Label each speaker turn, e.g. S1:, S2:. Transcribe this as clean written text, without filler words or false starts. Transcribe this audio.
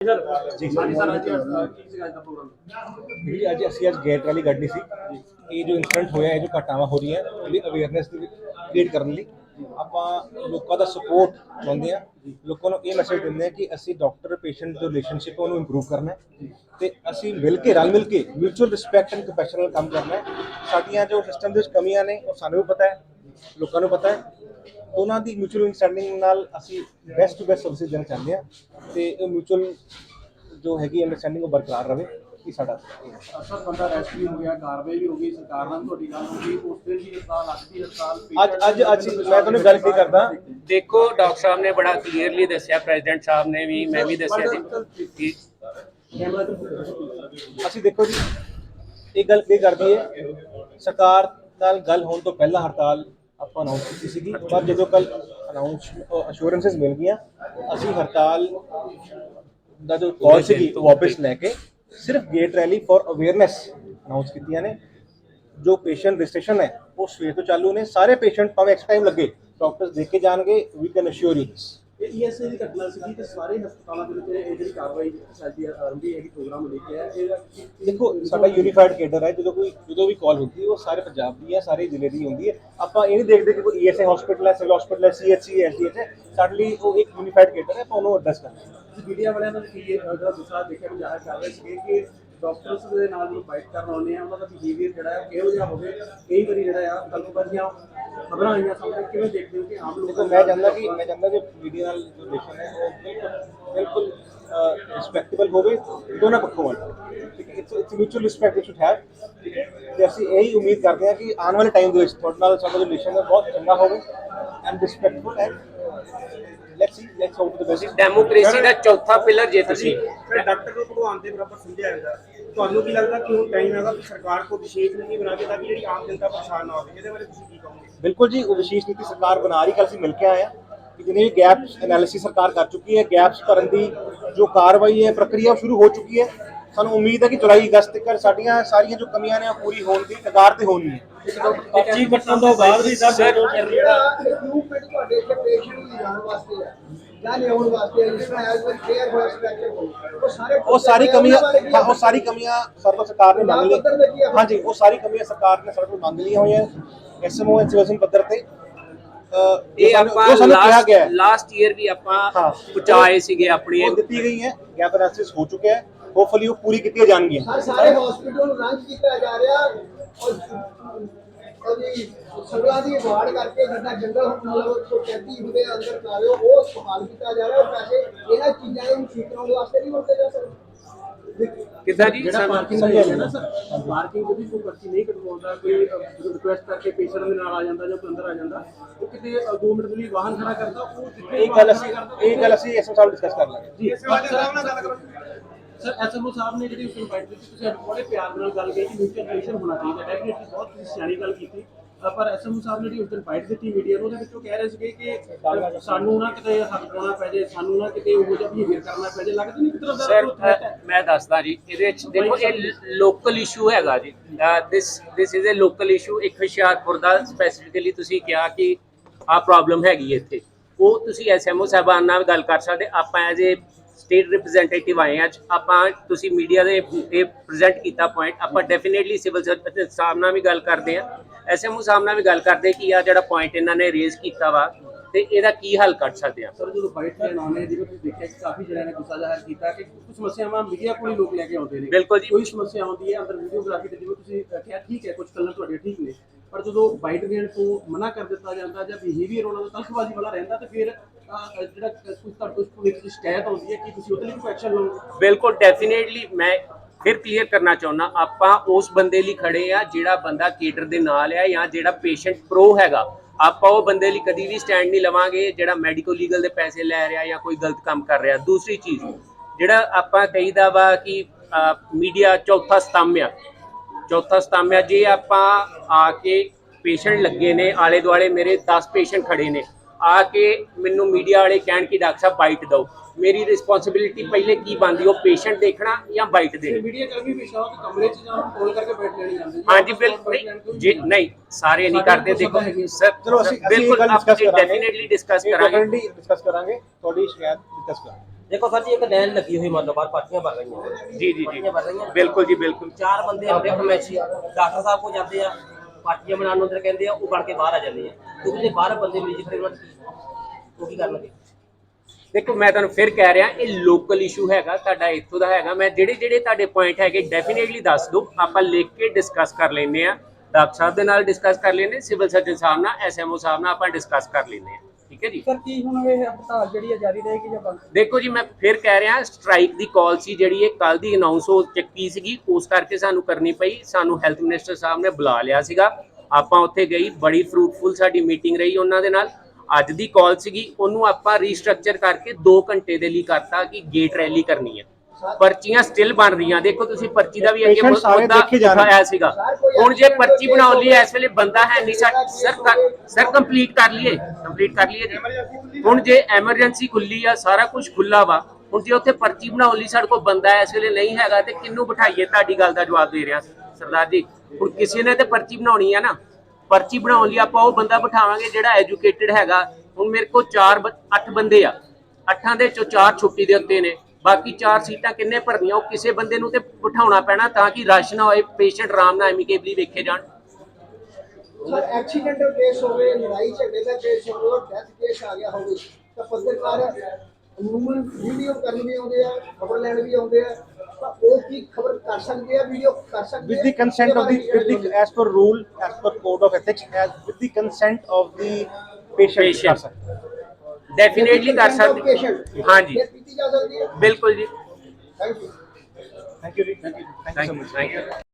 S1: ਜੀ ਸਰ ਜੀ ਅੱਜ ਅਸੀਂ ਗੇਟ ਰੈਲੀ ਕੱਢੀ ਸੀ। ਇਹ ਜੋ ਇਨਸੀਡੈਂਟ ਹੋਇਆ, ਇਹ ਜੋ ਘਟਨਾਵਾਂ ਹੋ ਰਹੀਆਂ ਉਹਦੀ ਅਵੇਅਰਨੈਸ ਕ੍ਰੀਏਟ ਕਰਨ ਲਈ ਆਪਾਂ ਲੋਕਾਂ ਦਾ ਸਪੋਰਟ ਚਾਹੁੰਦੇ ਹਾਂ। ਲੋਕਾਂ ਨੂੰ ਇਹ ਮੈਸੇਜ ਦਿੰਦੇ ਹਾਂ ਕਿ ਅਸੀਂ ਡਾਕਟਰ ਪੇਸ਼ੈਂਟ ਜੋ ਰਿਲੇਸ਼ਨਸ਼ਿਪ ਉਹਨੂੰ ਇੰਪਰੂਵ ਕਰਨਾ ਹੈ ਤੇ ਅਸੀਂ ਮਿਲ ਕੇ ਰਲ ਮਿਲ ਕੇ ਮਿਊਚੁਅਲ ਰਿਸਪੈਕਟ ਐਂਡ ਕੰਪੈਸ਼ਨ ਨਾਲ ਕੰਮ ਕਰਨਾ ਹੈ। ਸਾਡੀਆਂ ਜੋ ਸਿਸਟਮ ਦੇ ਵਿੱਚ ਕਮੀਆਂ ਨੇ ਉਹ ਸਾਨੂੰ ਵੀ ਪਤਾ ਹੈ, ਲੋਕਾਂ ਨੂੰ ਪਤਾ ਹੈ। ਉਹਨਾਂ ਦੀ ਮਿਊਚੁਅਲ ਅੰਡਰਸਟੈਂਡਿੰਗ ਨਾਲ ਅਸੀਂ ਬੈਸਟ ਟੂ ਬੈਸਟ ਸਰਵਿਸ ਦੇਣਾ ਚਾਹੁੰਦੇ ਹਾਂ ਤੇ ਇਹ ਮਿਊਚੁਅਲ ਜੋ ਹੈਗੀ ਅੰਡਰਸਟੈਂਡਿੰਗ ਉਹ ਬਰਕਰਾਰ ਰਹੇ। ਕਿ ਸਾਡਾ
S2: ਅਸਰ ਬੰਦਾ ਅਰੈਸਟ ਵੀ ਹੋ ਗਿਆ, ਕਾਰਵਾਈ ਵੀ ਹੋ ਗਈ, ਸਰਕਾਰ ਨਾਲ ਤੁਹਾਡੀ ਗੱਲ ਹੋ ਗਈ, ਉਸ ਦਿਨ ਵੀ ਹੜਤਾਲ ਲੱਗਦੀ
S1: ਅੱਜ ਮੈਂ ਤੁਹਾਨੂੰ ਗੱਲ ਕੀ ਕਰਦਾ।
S3: ਦੇਖੋ ਡਾਕਟਰ ਸਾਹਿਬ ਨੇ ਬੜਾ ਕਲੀਅਰਲੀ ਦੱਸਿਆ, ਪ੍ਰੈਜ਼ੀਡੈਂਟ ਸਾਹਿਬ ਨੇ ਵੀ, ਮੈਂ ਵੀ ਦੱਸਿਆ ਜੀ।
S1: ਅਸੀਂ ਦੇਖੋ ਜੀ ਇਹ ਗੱਲ ਕੀ ਕਰਦੀ ਹੈ, ਸਰਕਾਰ ਨਾਲ ਗੱਲ ਹੋਣ ਤੋਂ ਪਹਿਲਾਂ ਹੜਤਾਲ ਆਪਾਂ ਅਨਾਉਂਸ ਕੀਤੀ ਸੀਗੀ, ਪਰ ਜਦੋਂ ਕੱਲ ਅਸ਼ੋਰੈਂਸਸ ਮਿਲ ਗਈਆਂ ਅਸੀਂ ਹੜਤਾਲ ਦਾ ਜੋ ਕਾਲ ਸੀਗੀ ਉਹ ਵਾਪਸ ਲੈ ਕੇ ਸਿਰਫ gate rally for awareness announce ਕੀਤੀਆਂ ਨੇ। ਜੋ ਪੇਸ਼ੈਂਟ ਰਜਿਸਟ੍ਰੇਸ਼ਨ ਹੈ ਉਹ ਸਵੇਰ ਤੋਂ ਚਾਲੂ ਨੇ। ਸਾਰੇ ਪੇਸ਼ੈਂਟ ਭਾਵੇਂ ਐਕਸ ਟਾਈਮ ਲੱਗੇ ਡਾਕਟਰਸ ਦੇਖ ਕੇ ਜਾਣਗੇ। We can assure you this.
S2: ਇਹ ਈਐਸਆਈ ਦੀ ਘਟਨਾ ਸੀਗੀ ਤੇ ਸਾਰੇ ਹਸਪਤਾਲਾਂ ਦੇ ਵਿੱਚ ਇਹ ਜਿਹੜੀ ਕਾਰਵਾਈ ਸਾਡੀ ਆਰੰਭੀ ਹੈਗੀ ਪ੍ਰੋਗਰਾਮ ਲੈ ਕੇ ਆਇਆ।
S1: ਦੇਖੋ ਸਾਡਾ ਯੂਨੀਫਾਈਡ ਕੇਡਰ ਹੈ। ਜਦੋਂ ਵੀ ਕਾਲ ਹੁੰਦੀ ਹੈ ਉਹ ਸਾਰੇ ਪੰਜਾਬ ਦੀ ਹੈ, ਸਾਰੇ ਜ਼ਿਲ੍ਹੇ ਦੀ ਹੁੰਦੀ ਹੈ। ਆਪਾਂ ਇਹ ਨਹੀਂ ਦੇਖਦੇ ਕਿ ਕੋਈ ਈਐਸਆਈ ਹਸਪੀਟਲ ਹੈ, ਸਿਵਲ ਹਸਪੀਟਲ ਹੈ, ਸੀਐਚਸੀ ਐਸਡੀਐਚ ਹੈ। ਸਾਡੇ ਲਈ ਉਹ ਇੱਕ ਯੂਨੀਫਾਈਡ ਕੇਡਰ ਹੈ, ਆਪਾਂ ਉਹਨੂੰ ਐਡਰੈਸ ਕਰਨਾ ਹੈ।
S2: ਮੀਡੀਆ ਵਾਲਿਆਂ ਨੇ ਜਿਹੜਾ ਦੂਸਰਾ ਦੇਖਿਆ ਵੀ ਜ਼ਾਹਿਰ ਕਰ ਰਹੇ ਸੀਗੇ ਕਿ ਡਾਕਟਰਸ ਦੇ ਨਾਲ ਜਦੋਂ ਫਾਈਟ ਕਰਨ ਆਉਂਦੇ ਆ ਉਹਨਾਂ ਦਾ ਬਿਹੇਵੀਅਰ ਜਿਹੜਾ ਹੈ ਕਿਹੋ ਜਿਹਾ ਹੋਵੇ। ਕਈ ਵਾਰੀ ਜਿਹੜਾ ਆ ਗਲਤਬਾਜ਼ੀਆਂ ਖਬਰਾਂ ਆਈਆਂ ਸਾਹਮਣੇ, ਕਿਵੇਂ ਦੇਖਦੇ ਹੋ ਕਿ ਆਮ ਲੋਕਾਂ
S1: ਮੈਂ ਚਾਹੁੰਦਾ ਕਿ ਮੀਡੀਆ ਨਾਲ ਜੋ ਰਿਲੇਸ਼ਨ ਹੈ ਉਹ ਬਿਲਕੁਲ ਰਿਸਪੈਕਟੇਬਲ ਹੋਵੇ ਦੋਨਾਂ ਪੱਖੋਂ ਵੱਲ। ਠੀਕ ਹੈ, it's mutual respect we should have. ਠੀਕ ਹੈ, ਤੇ ਅਸੀਂ ਇਹੀ ਉਮੀਦ ਕਰਦੇ ਹਾਂ ਕਿ ਆਉਣ ਵਾਲੇ ਟਾਈਮ ਦੇ ਵਿੱਚ ਤੁਹਾਡੇ ਨਾਲ ਸਾਡਾ ਜੋ ਰਿਲੇਸ਼ਨ ਹੈ ਬਹੁਤ ਚੰਗਾ ਹੋਵੇ and respectful and let's hope the best.
S3: Democracy ਦਾ ਚੌਥਾ ਪਿਲਰ ਜੇ ਤੁਸੀਂ
S4: ਡਾਕਟਰ ਨੂੰ ਭਗਵਾਨ ਦੇ ਬਰਾਬਰ ਸਮਝਿਆ ਜਾਂਦਾ। ਤੁਹਾਨੂੰ ਕੀ ਲੱਗਦਾ ਕਿ ਹੁਣ ਟਾਈਮ ਹੈਗਾ ਕਿ ਸਰਕਾਰ ਕੋ ਵਿਸ਼ੇਸ਼ ਨੀਤੀ ਬਣਾ ਕੇ ਤਾਂ ਕਿ ਜਿਹੜੀ ਆਮ ਜਨਤਾ ਪਰੇਸ਼ਾਨ ਨਾ ਹੋਵੇ? ਇਹਦੇ ਬਾਰੇ ਤੁਸੀਂ ਕੀ ਕਹੋਗੇ?
S1: ਬਿਲਕੁਲ ਜੀ, ਉਹ ਵਿਸ਼ੇਸ਼ ਨੀਤੀ ਸਰਕਾਰ ਬਣਾ ਰਹੀ। ਕੱਲ੍ਹ ਅਸੀਂ ਮਿਲ ਕੇ ਆਏ ਹਾਂ ਕਿ ਜਿੰਨੇ ਵੀ ਗੈਪਸ ਐਨਾਲਿਸਿਸ ਸਰਕਾਰ ਕਰ ਚੁੱਕੀ ਹੈ। ਗੈਪਸ ਭਰਨ ਦੀ ਜੋ ਕਾਰਵਾਈ ਹੈ, ਪ੍ਰਕਿਰਿਆ ਸ਼ੁਰੂ ਹੋ ਚੁੱਕੀ ਹੈ। ਸਾਨੂੰ ਉਮੀਦ ਹੈ ਕਿ ਜੁਲਾਈ ਅਗਸਤ ਤੱਕ ਸਾਡੀਆਂ ਸਾਰੀਆਂ ਜੋ ਕਮੀਆਂ ਨੇ ਉਹ ਪੂਰੀ ਹੋਣ ਦੀ ਕਗਾਰ ਤੇ ਹੋਣੀ ਹੈ।
S4: ਪਰਚੀ ਕੱਟਣ ਤੋਂ ਬਾਅਦ ਵੀ ਸਰ
S5: ਇਕਵਿਪਮੈਂਟ ਤੁਹਾਡੇ ਇੱਥੇ ਪੇਸ਼ੈਂਟ ਨੂੰ ਲਿਜਾਣ ਵਾਸਤੇ ਹੈ ਜਾਂ ਲਿਆਉਣ ਵਾਸਤੇ ਜਿਸ ਤਰ੍ਹਾਂ ਐਜ਼ ਪਰ ਕੇਅਰ ਹੋਇਆ ਸਪੈਕਟਰ
S1: ਉਹ ਸਾਰੀ ਕਮੀਆਂ ਸਰਕਾਰ ਨੇ ਮੰਗ ਲਈ। ਹਾਂਜੀ, ਉਹ ਸਾਰੀ ਕਮੀਆਂ ਸਰਕਾਰ ਨੇ ਸਾਡੇ ਕੋਲ ਮੰਗ ਲਈਆਂ ਹੋਈਆਂ ਐਸਐਮਓ ਐਂਡ ਪੱਧਰ ਤੇ।
S3: ਇਹ ਆਪਾਂ ਲਾਸਟ ਈਅਰ ਵੀ ਆਪਾਂ ਪਹੁੰਚਾਏ ਸੀਗੇ ਆਪਣੀ
S1: ਦਿੱਤੀ ਗਈ ਹੈ। ਗੈਪ ਐਨਾਲਿਸਿਸ ਹੋ ਚੁੱਕਿਆ ਹੈ, ਹੋਪਫੁਲੀ ਉਹ ਪੂਰੀ ਕੀਤੀਆਂ ਜਾਣਗੀਆਂ।
S5: ਸਾਰੇ ਹਸਪੀਟਲ ਨੂੰ ਰੰਗ ਕੀਤਾ ਜਾ ਰਿਹਾ ਉਹਦੀ ਸੜਕਾਂ ਦੀ ਵਾੜ ਕਰਕੇ ਜਿੱਦਾਂ ਜੰਗਲ ਮਤਲਬ ਕੈਦੀ ਹੁੰਦੇ ਅੰਦਰ ਕਾਰਿਓ ਉਹ ਸਵਾਲ ਕੀਤਾ ਜਾ ਰਿਹਾ। ਪੈਸੇ ਇਹਨਾਂ ਚੀਜ਼ਾਂ ਨੂੰ ਠੀਕ ਕਰਾਉਣ ਵਾਸਤੇ ਨਹੀਂ ਵਰਤੇ ਜਾ ਸਕਦੇ।
S3: ਕਿੱਦਾਂ ਜੀ?
S2: ਜਿਹੜਾ ਪਾਰਕਿੰਗ ਹੈ ਨਾ ਸਰ, ਪਾਰਕਿੰਗ ਜਿਹੜੀ ਕੋਈ ਪਰਚੀ ਨਹੀਂ ਕਟਵਾਉਂਦਾ, ਕੋਈ ਰਿਕੁਐਸਟ ਕਰਕੇ ਪੇਸ਼ੈਂਟ ਦੇ ਨਾਲ ਆ ਜਾਂਦਾ ਜਾਂ ਕੋਈ ਅੰਦਰ ਆ ਜਾਂਦਾ, ਉਹ ਕਿਤੇ 2 ਮਿੰਟ ਲਈ ਵਾਹਨ ਖੜਾ ਕਰਦਾ, ਉਹ
S1: ਇਹ ਗੱਲ ਅਸੀਂ ਐਸਐਮ ਸਾਹਿਬ ਡਿਸਕਸ ਕਰ ਲਾਂਗੇ
S2: ਜੀ। ਸਰ ਐਸਐਮਓ ਸਾਹਿਬ ਨੇ ਜਿਹੜੀ ਉਸ ਨੂੰ ਫਾਈਟ ਕੀਤੀ, ਤੁਸੀਂ ਬੜੇ ਪਿਆਰ ਨਾਲ ਗੱਲ ਕਹੀ ਕਿ ਮਿਊਚੁਅਲ ਰਿਲੇਸ਼ਨ ਹੋਣਾ ਚਾਹੀਦਾ। ਡੈਫੀਨੇਟਲੀ ਬਹੁਤ ਤੁਸੀਂ ਸਿਆਣੀ ਗੱਲ ਕੀਤੀ। ਪਰ ਐਸਐਮਓ ਸਾਹਿਬ ਨੇ ਜਿਹੜੀ ਉਸ ਦਿਨ ਫਾਈਟ ਦਿੱਤੀ ਮੀਡੀਆ ਨੂੰ, ਉਹਦੇ ਵਿੱਚ ਉਹ ਕਹਿ ਰਹੇ ਸੀਗੇ ਕਿ ਸਾਨੂੰ ਨਾ ਕਿਤੇ ਹੱਥ ਪਾਉਣਾ ਪੈ ਜਾਏ, ਸਾਨੂੰ ਨਾ ਕਿਤੇ ਉਹੋ ਜਿਹਾ ਬਿਹੇਵੀਅਰ ਕਰਨਾ ਪੈ ਜਾਏ। ਲੱਗਦਾ ਨਹੀਂ ਕਿਤੇ
S3: ਸਰ ਮੈਂ ਦੱਸਦਾ ਜੀ, ਇਹਦੇ ਵਿੱਚ ਦੇਖੋ ਇਹ ਲੋਕਲ ਇਸ਼ੂ ਹੈਗਾ ਜੀ। This is a local issue. ਇੱਕ ਹੁਸ਼ਿਆਰਪੁਰ ਦਾ ਸਪੈਸੀਫਿਕਲੀ ਤੁਸੀਂ ਕਿਹਾ ਕਿ ਆਹ ਪ੍ਰੋਬਲਮ ਹੈਗੀ ਇੱਥੇ, ਉਹ ਤੁਸੀਂ ਐਸਐਮਓ ਸਾਹਿਬਾਨ ਨਾਲ ਗੱਲ ਕਰ ਸਕਦੇ। ਆਪਾਂ ਐਜ਼ ਏ ਸਟੇਟ ਰਿਪਰੈਜ਼ੈਂਟੇਟਿਵ ਆਏ ਅੱਜ, ਆਪਾਂ ਤੁਸੀਂ ਮੀਡੀਆ ਦੇ ਇਹ ਪ੍ਰੈਜ਼ੈਂਟ ਕੀਤਾ ਪੁਆਇੰਟ, ਆਪਾਂ ਡੈਫੀਨੇਟਲੀ ਸਿਵਲ ਸਰਜਨ ਸਾਹਿਬ ਨਾਲ ਵੀ ਗੱਲ ਕਰਦੇ ਹਾਂ, ਐਸਐਮਓ ਸਾਹਿਬ ਨਾਲ ਵੀ ਗੱਲ ਕਰਦੇ ਕਿ ਆ ਜਿਹੜਾ ਪੁਆਇੰਟ ਇਹਨਾਂ ਨੇ ਰੇਜ਼ ਕੀਤਾ ਵਾ ਤੇ ਇਹਦਾ ਕੀ ਹੱਲ ਕੱਢ ਸਕਦੇ ਆ।
S2: ਸਰ ਜਦੋਂ ਫਾਈਟ ਲੈਣ ਆਉਂਦੇ ਜਿਵੇਂ ਤੁਸੀਂ ਦੇਖਿਆ ਕਿ ਕਾਫੀ ਜਣਿਆਂ ਨੇ ਗੁੱਸਾ ਜ਼ਾਹਿਰ ਕੀਤਾ ਕਿ ਕੁਝ ਸਮੱਸਿਆਵਾਂ ਮੀਡੀਆ ਕੋਲ ਹੀ ਲੋਕ ਲੈ ਕੇ ਆਉਂਦੇ ਨੇ।
S3: ਬਿਲਕੁਲ ਜੀ,
S2: ਕੋਈ ਸਮੱਸਿਆ ਆਉਂਦੀ ਹੈ ਅੰਦਰ ਵੀਡੀਓਗ੍ਰਾਫੀ ਤੇ, ਜਿਵੇਂ ਤੁਸੀਂ ਕਿਹਾ ਠੀਕ ਹੈ ਕੁਝ ਗੱਲਾਂ ਤੁਹਾਡੀਆਂ ਠੀਕ ਨੇ, ਪਰ ਜਦੋਂ ਬਾਈਟ ਦੇਣ ਤੋਂ ਮਨਾ ਕਰ ਦਿੱਤਾ ਜਾਂਦਾ ਜਾਂ ਬਿਹੇਵੀਅਰ ਉਹਨਾਂ ਦਾ ਤਲਖਬਾਜ਼ੀ ਵਾਲਾ ਰਹਿੰਦਾ ਤੇ ਫਿਰ ਜਿਹੜਾ ਕੁਝ ਤੁਹਾਡੇ ਕੋਲ ਇੱਕ ਸ਼ਿਕਾਇਤ ਆਉਂਦੀ ਹੈ ਕਿ ਤੁਸੀਂ ਉਹਦੇ ਲਈ ਕੋਈ ਐਕਸ਼ਨ ਲਓ।
S3: ਬਿਲਕੁਲ ਡੈਫੀਨੇਟਲੀ ਮੈਂ ਫਿਰ ਕਲੀਅਰ ਕਰਨਾ ਚਾਹੁੰਦਾ, ਆਪਾਂ ਉਸ ਬੰਦੇ ਲਈ ਖੜੇ ਆ ਜਿਹੜਾ ਬੰਦਾ ਕੇਡਰ ਦੇ ਨਾਲ ਆ ਜਾਂ ਜਿਹੜਾ ਪੇਸ਼ੈਂਟ ਪ੍ਰੋ ਹੈਗਾ। ਆਪਾਂ ਉਹ ਬੰਦੇ ਲਈ ਕਦੀ ਵੀ ਸਟੈਂਡ ਨਹੀਂ ਲਵਾਂਗੇ ਜਿਹੜਾ ਮੈਡੀਕਲ ਲੀਗਲ ਦੇ ਪੈਸੇ ਲੈ ਰਿਹਾ ਜਾਂ ਕੋਈ ਗਲਤ ਕੰਮ ਕਰ ਰਿਹਾ। ਦੂਸਰੀ ਚੀਜ਼ ਜਿਹੜਾ ਆਪਾਂ ਕਹੀਦਾ ਵਾ ਕਿ ਮੀਡੀਆ ਚੌਥਾ ਸਤੰਭ ਆ, ਚੌਥਾ ਸਤੰਭ ਆ। ਜੇ ਆਪਾਂ ਆ ਕੇ ਪੇਸ਼ੈਂਟ ਲੱਗੇ ਨੇ ਆਲੇ ਦੁਆਲੇ, ਮੇਰੇ 10 ਪੇਸ਼ੈਂਟ ਖੜੇ ਨੇ, ਆ ਕੇ ਮੈਨੂੰ ਮੀਡੀਆ ਵਾਲੇ ਕਹਿਣ ਕਿ ਡਾਕਟਰ ਸਾਹਿਬ ਬਾਈਟ ਦਿਓ, ਮੇਰੀ ਰਿਸਪੌਂਸਿਬਿਲਿਟੀ ਪਹਿਲੇ ਕੀ ਬਣਦੀ? ਉਹ ਪੇਸ਼ੈਂਟ ਦੇਖਣਾ ਜਾਂ ਬਾਈਟ ਦੇਣੀ?
S2: ਮੀਡੀਆ ਕਰਮੀ ਵੀ ਸ਼ਾਇਦ ਕਮਰੇ 'ਚ ਜਾਂ ਕਾਲ ਕਰਕੇ ਬੈਠ ਲੈਣੀ ਜਾਂਦੀ।
S3: ਹਾਂਜੀ ਬਿਲਕੁਲ ਜੀ, ਨਹੀਂ ਸਾਰੇ ਨਹੀਂ ਕਰਦੇ। ਦੇਖੋ ਸਰ
S1: ਚਲੋ ਅਸੀਂ
S3: ਬਿਲਕੁਲ ਡੈਫੀਨੇਟਲੀ ਡਿਸਕਸ ਕਰਾਂਗੇ
S1: ਤੁਹਾਡੀ ਸ਼ਿਕਾਇਤ ਡਿਸਕਸ ਕਰਾਂਗੇ।
S6: ਦੇਖੋ ਸਰ ਜੀ, ਇੱਕ ਲਾਈਨ ਲੱਗੀ ਹੋਈ ਮੰਨ ਲਓ ਬਾਹਰ ਪਰਚੀਆਂ ਭਰ ਰਹੀਆਂ
S3: ਜੀ ਜੀ
S6: ਪਰਚੀਆਂ ਭਰ ਰਹੀਆਂ
S3: ਬਿਲਕੁਲ ਜੀ ਬਿਲकुल
S6: ਚਾਰ ਬੰਦੇ ਆਉਂਦੇ ਫਰਮੈਸ਼ੀ ਡਾਕਟਰ ਸਾਹਿਬ ਕੋਲ ਜਾਂਦੇ ਆ, ਪਰਚੀਆਂ ਬਣਾਉਣ ਨੂੰ ਅੰਦਰ ਕਹਿੰਦੇ ਆ, ਉਹ ਬਣ ਕੇ ਬਾਹਰ ਆ ਜਾਂਦੇ ਆ ਕਿਉਂਕਿ ਜੇ ਬਾਹਰ ਬੰਦੇ ਮਰੀਜ਼ ਖੜੇ ਹੋਣ ਉਹ ਕੀ ਕਰਨਗੇ?
S3: ਦੇਖੋ ਮੈਂ ਤੁਹਾਨੂੰ ਫਿਰ ਕਹਿ ਰਿਹਾ ਇਹ ਲੋਕਲ ਇਸ਼ੂ ਹੈਗਾ ਤੁਹਾਡਾ ਇੱਥੋਂ ਦਾ ਹੈਗਾ। ਮੈਂ ਜਿਹੜੇ ਤੁਹਾਡੇ ਪੁਆਇੰਟ ਹੈਗੇ ਡੈਫੀਨੇਟਲੀ ਦੱਸ ਦਿਓ, ਆਪਾਂ ਲਿਖ ਕੇ ਡਿਸਕਸ ਕਰ ਲੈਂਦੇ ਆ, ਡਾਕਟਰ ਸਾਹਿਬ ਦੇ ਨਾਲ ਡਿਸਕਸ ਕਰ ਲੈਂਦੇ, ਸਿਵਲ ਸਰਜਨ ਸਾਹਿਬ ਨਾਲ, ਐਸਐਮਓ ਸਾਹਿਬ ਨਾਲ ਆਪਾਂ ਡਿਸਕਸ ਕਰ ਲੈਂਦੇ ਆ। ਠੀਕ ਹੈ ਜੀ
S2: ਸਰ ਕੀ ਹੁਣ ਇਹ ਹੜਤਾਲ ਜਿਹੜੀ ਹੈ ਜਾਰੀ ਰਹੇਗੀ ਜਾਂ ਬੰਦ?
S3: ਦੇਖੋ ਜੀ ਮੈਂ ਫਿਰ ਕਹਿ ਰਿਹਾ ਸਟ੍ਰਾਈਕ ਦੀ ਕਾਲ ਸੀ ਜਿਹੜੀ ਇਹ ਕੱਲ ਦੀ ਅਨਾਉਂਸ ਹੋ ਚੱਕੀ ਸੀਗੀ, ਉਸ ਕਰਕੇ ਸਾਨੂੰ ਕਰਨੀ ਪਈ। ਸਾਨੂੰ ਹੈਲਥ ਮਿਨਿਸਟਰ ਸਾਹਿਬ ਨੇ ਬੁਲਾ ਲਿਆ ਸੀਗਾ, ਆਪਾਂ ਉੱਥੇ ਗਈ, ਬੜੀ ਫਰੂਟਫੁਲ ਸਾਡੀ ਮੀਟਿੰਗ ਰਹੀ ਉਹਨਾਂ ਦੇ ਨਾਲ। ਅੱਜ ਦੀ ਕਾਲ ਸੀਗੀ, ਉਹਨੂੰ ਆਪਾਂ ਰੀਸਟਰਕਚਰ ਕਰਕੇ 2 ਘੰਟੇ ਦੇ ਲਈ ਕਰਤਾ ਕਿ ਗੇਟ ਰੈਲੀ ਕਰਨੀ ਹੈ। ਪਰਚੀਆਂ ਸਟਿਲ ਬਣ ਰਹੀਆਂ, ਦੇਖੋ ਤੁਸੀਂ ਪਰਚੀ ਦਾ ਵੀ ਅੱਗੇ ਮੁੱਦਾ ਉਠਾਇਆ ਸੀਗਾ। ਹੁਣ ਜੇ ਪਰਚੀ ਬਣਾਉਣ ਲਈ ਇਸ ਵੇਲੇ ਬੰਦਾ ਹੈ ਨਹੀਂ ਸਰ ਕੰਪਲੀਟ ਕਰ ਲਈਏ ਜੀ। ਹੁਣ ਜੇ ਐਮਰਜੈਂਸੀ ਖੁੱਲੀ ਆ, ਸਾਰਾ ਕੁਝ ਖੁੱਲਾ ਵਾ, ਹੁਣ ਜੇ ਉੱਥੇ ਪਰਚੀ ਬਣਾਉਣ ਲਈ ਸਾਡੇ ਕੋਲ ਬੰਦਾ ਇਸ ਵੇਲੇ ਨਹੀਂ ਹੈਗਾ ਤੇ ਕਿਹਨੂੰ ਬਿਠਾਈਏ? ਤੁਹਾਡੀ ਗੱਲ ਦਾ ਜਵਾਬ ਦੇ ਰਿਹਾ ਸਰਦਾਰ ਜੀ। ਹੁਣ ਕਿਸੇ ਨੇ ਤੇ ਪਰਚੀ ਬਣਾਉਣੀ ਆ ਨਾ, ਪਰਚੀ ਬਣਾਉਣ ਲਈ ਆਪਾਂ ਉਹ ਬੰਦਾ ਬਿਠਾਵਾਂਗੇ ਜਿਹੜਾ ਐਜੂਕੇਟਿਡ ਹੈਗਾ। ਹੁਣ ਮੇਰੇ ਕੋਲ 8 ਬੰਦੇ ਆ, 8 ਦੇ ਚੋਂ 4 ਛੁੱਟੀ ਦੇ ਉੱਤੇ ਨੇ, ਬਾਕੀ 4 ਸੀਟਾਂ ਕਿੰਨੇ ਭਰਨੀਆਂ? ਉਹ ਕਿਸੇ ਬੰਦੇ ਨੂੰ ਤੇ ਬਿਠਾਉਣਾ ਪੈਣਾ ਤਾਂ ਕਿ ਰਸ਼ ਨਾ ਹੋਏ, ਪੇਸ਼ੈਂਟ ਆਰਾਮ ਨਾਲ ਐਮੀਕੇਬਲੀ ਵੇਖੇ ਜਾਣ।
S5: ਸਰ ਐਕਸੀਡੈਂਟਲ ਕੇਸ ਹੋਵੇ, ਲੜਾਈ ਝਗੜੇ ਦਾ ਕੇਸ ਹੋਵੇ, ਡੈਥ ਕੇਸ ਆ ਗਿਆ ਹੋਵੇ ਤਾਂ ਪੱਤਰਕਾਰ ਅਮੂਮਨ ਵੀਡੀਓ ਕਰਨ ਵੀ ਆਉਂਦੇ ਆ, ਖਬਰ ਲੈਣ ਵੀ ਆਉਂਦੇ ਆ, ਤਾਂ ਉਹ ਕੀ ਖਬਰ ਕਰ ਸਕਦੇ ਆ, ਵੀਡੀਓ ਕਰ ਸਕਦੇ
S1: with the consent of the as per rule, as per code of ethics, as with the consent of the patient ਕਰ ਸਕਦੇ
S3: ਡੈਫੀਨੇਟਲੀ ਕਰ ਸਕਦੇ ਹਾਂਜੀ
S5: ਕੀਤੀ ਜਾ ਸਕਦੀ ਹੈ।
S3: ਬਿਲਕੁਲ ਜੀ
S5: ਥੈਂਕ ਯੂ
S1: ਥੈਂਕ ਯੂ ਜੀ, thank you so much.
S3: Thank you.